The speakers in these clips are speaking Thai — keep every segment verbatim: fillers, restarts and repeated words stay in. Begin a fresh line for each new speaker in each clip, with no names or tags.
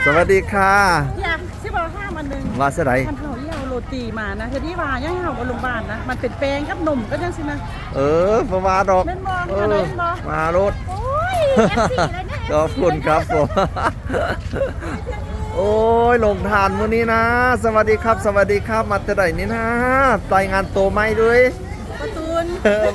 สวัสดีค่ะ
อยากที่บอกห้ามันหนึ่ง
ว่าเสยได
มันเขาเรียกโรตีมานะทีนี้ว่าย่างเขากับโรงพยาบาลนะมันเป็นแป้งกับนมก็ยังสินะ
เออประมาดอก
แม่นบ่
เอ
อะไร
อ
แม่นบ่
มารถ
โอ้ยเอฟซีเลยเนี่ย
ขอบคุณครับผม โอ้ยลงทานมื้อนี้นะ สวัสดีครับ สวัสดีครับมาแต่ไหนนี่นะรายงานตัวไม่ด้วย
ประตูน
เออ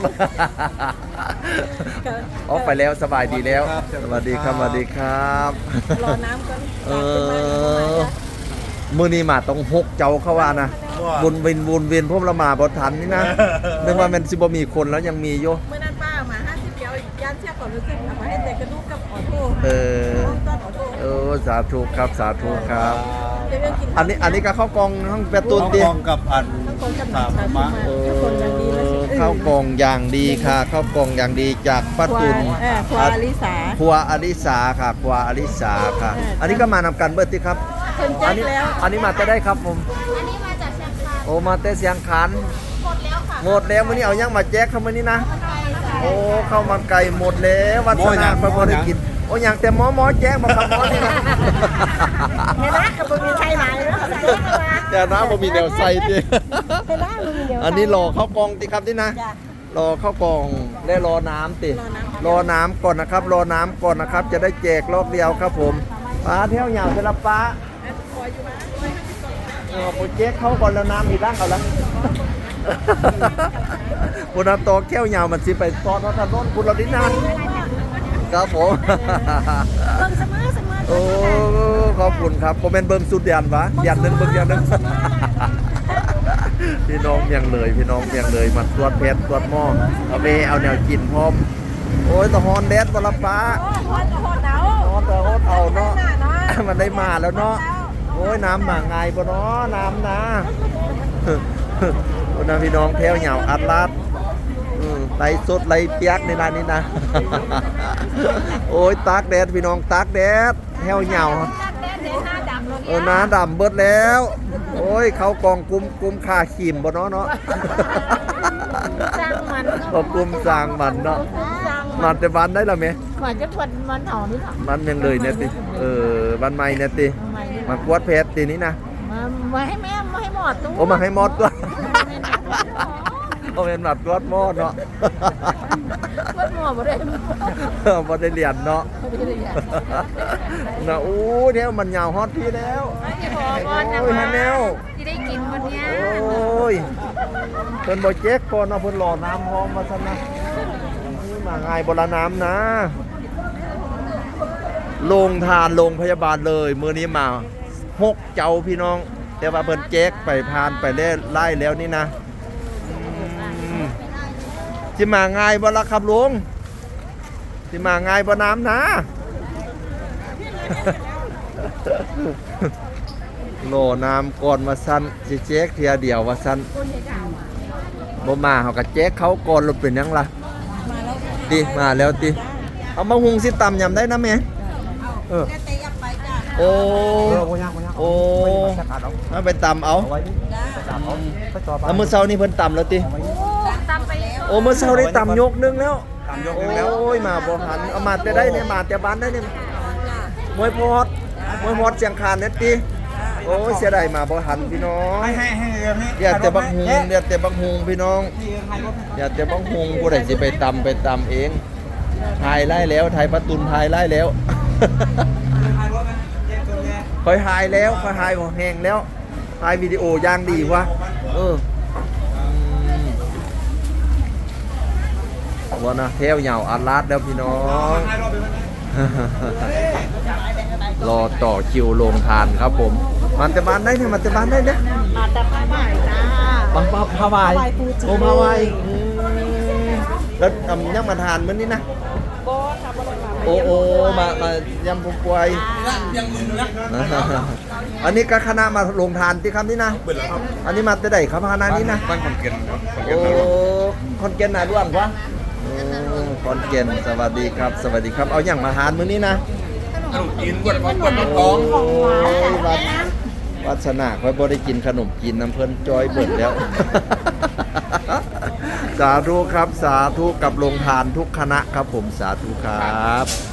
ออกไปแล้วสบายดีแล้ว สวัสดีครับสวัสดีครับ
รอน้ำก่อน
เออมื้อนี้มาต้องหกเจ้าเข้าว่านะวนเวียนวนเวียนพวกละหมาบ่ทันนี่นะนึกว่ามันสิบ่มีคนแล้วยังมีอยู่
เมื่อนั้นป้ามาห้าสิบเดียวยันเชือกก่อนรู้สึกทำมาให้แต่กระดูกกับออโต้
เออ
ต้นออโต้
เออสาธุครับสาธุครับ
เดี๋ยวกิน
อันนี้อันนี้ก็ข้าวกล่องห้องประตูน
ต้อง
ดิ
กองกับอัน
ทั้งคนกับหนั
สาง ม
ชา
มา
มาทุกคนอย่างดีแล้วสิ
ข้าวกล่องอย่างดีค่ะข้าวกล่องอย่างดีจากป้าตุน
เออครัวอลิสา
ครัวอลิสาค่ะครัวอลิสาค่ะ
เอออั
อันนี้ก็มานำกันเบิดที่ครับ
เพิ่นแจ้
อั
ง
นี้
แล้ว
อันนี้มาแต่ได้ครับผม
อันนี้มาจากเชียงคาน
โอ้มาแต่เสียงขัน
หมดแล้วค่ะ
หมดแล้วมื้อนี้เอายังมาแจกเข้ามื้อนี้นะ
ไปจ้ะ
โอ้ข้าวมันไก่หมดแล้ววัดสนานพระบ่ได้กินโอ้ยังแต่หมอหมอแจกบ่ครับหมอนี่นะ
เห็นไหมกับบ่มีใครหลายแล้วใส่เข้ามา
แต่น้ำบ่มีแนวใส่ติ
เห็นไหมบ่มีเดี๋ยว
อันนี้รอข้าวกล่องติครับนี่นะ
จ้ะ
รอข้าวกล่องและรอน้ำติ
รอน้ำ
รอน้ำก่อนนะครับ รอน้ำก่อนนะครับ จะได้แจกรอบเดียวครับผมป้าเที่ยวยาวเสร็จแล้วป้าเออโปรเจกต์เข้าก่อนแล้วน้ำมีร่างเอาละคุณอาโตแก้วยาวมันสิไปซอสถนนคุณเราดินานครับผม
เบิ่งเสมอเสมอ
โอ้ขอบคุณครับผมเป็นเบิ่งสุดยันวะยันหนึ่งเบิ่งยันหนึ่ง พี่น้องเมียงเลยพี่น้องเมียงเลยมาตรวจเพชรตรวจหม้อเอาไปเอาแนวกินพร้อมโอ้ยตะฮอนแดดบละฟ้า
โอ้โหโหดหนาว
ฮอนตะฮอนเอาเนาะ
หน้าเนาะ
มันได้มาแล้วเนาะโอ้ยน้ำมาไงบ่เนาะน้ำนะ โอ้นะพี่น้องแถวเหยาวอัดลาดอืมไหลสดไหลเปียกในร้านนี้นะ โอ้ยตากแดดพี่น้องตากแดดแถวเหยาว
แดดแดดหน้าดำเลย
เออน้าดำเบิดแล้ว โอ้ยเขากองกุมกุมขาขีมบ่เนาะเนาะ
สร้างมัน
ก็กุมสร้างมันเนาะ
สร้าง
มันแต่วันได้ละแม่
กว่าจะทนมันหอมนี่หรอ
มันยังเลยเนี่ยติเออวันใหม่เนี่ยติ
ทำไมนี่
มากวดเพชรตีนี้นะ
มามาให้แม่มาให้หมดตู้
โอ้มาให้หมดก็โอ้เป็นหมัดกวดหมดเนาะ
ก็หมดบ่ได้
บ่ได้เรียนเนาะ
บ่ได้อย่าง
นะโอ้เดี๋ยวมันยาวฮอตพี่แล้ว
จะบอกก่อนนะ
โอ้ยฮันแนว
ที่ได้กินวันเนี้ย
โอ้ยเพิ่นบ่เจ๊กก่อนเนาะเพิ่นรอน้ำพร้อมมาซั่นนะนี่มาง่ายบ่ละน้ำนะโรงทานโรงพยาบาลเลยมื้อนี้มาหกเจ้าพี่น้อง แต่ว่าเพิ่นแจ๊กไปพานไปเล่ไล่แล้วนี่นะอืมสิมาง่ายบ่ล่ะครับลุงสิมาง่ายบ่น้ำนะ โหลน้ำก่อนมาสั้นสิแจ๊กเทียเดียวว่าสั้นบ่มาเขาก็แจ๊กเขาก่อนรถเป็นหยังล่ะดิมาแล้วติเอามาหุงสิตำยำได้นะแม่เออโอ้โอ้เอาไปตำเอาแล้วมื้อเช้านี่เพิ่นตำแล้วติ
ตามไป
โอ้มื้อเช้าได้ตำยกนึงแล้วโอ้ยมาบ่หันเอามาแต่ได้เนี่ยมาแต่บ้านได้เนี่ยมวยพอดมวยพอดเสียงคานเน็ตติโอ้ยเสียดายมาบ่หันพี่น้อง
ให้ให้ให้เดี๋ยวนี้
อยากแต่บักฮุงอยากแต่บักฮุงพี่น้องอยากแต่บักฮุงผู้ใดสิไปตำไปตำเองถ่ายไล่แล้วถ่ายประตุนถ่ายไล่แล้ว คอยถ่ายแล้วคอยถ่ายหัวแหงแล้วถ่ายวิดีโอย่างดีวะเออวันนะเทวเหยาวอัดลาดแล้วพี่น้อง รอต่อคิวลงทานครับผมมันแต่บ้านได้เนี่ยมันแต่บ้านได้เนี่ย
มาแต่ผ้าใหม่จ้า
ปังปังพาวาย
พาวายฟูจิ
โอ้พาวายอืมแล้วทำยังมาทานมื้อนี้นะ
บ่ค่ะบ่ได้มา
โอ้โอ้มามายำพุกวยอันนี้ก็คณะมาลงทานที่คำนี้นะอันนี้มาแต่ใดครับคณะนี้นะ
บ้านคนเก่ง
โอ้คอนเกนน่ะร่วงวะโอ้คอนเกนสวัสดีครับ สวัสดีครับเอาอย่างมาทานมื้อนี้นะ
ขนมจีนกวดกวดกวดก
โอ้
อง
ยวัดวัฒนาค่อยบ่ได้กินขนมจีนน้ำเพิ่นจอยเบิดแล้ว สาธุครับสาธุกับโรงทานทุกคณะครับผมสาธุครับ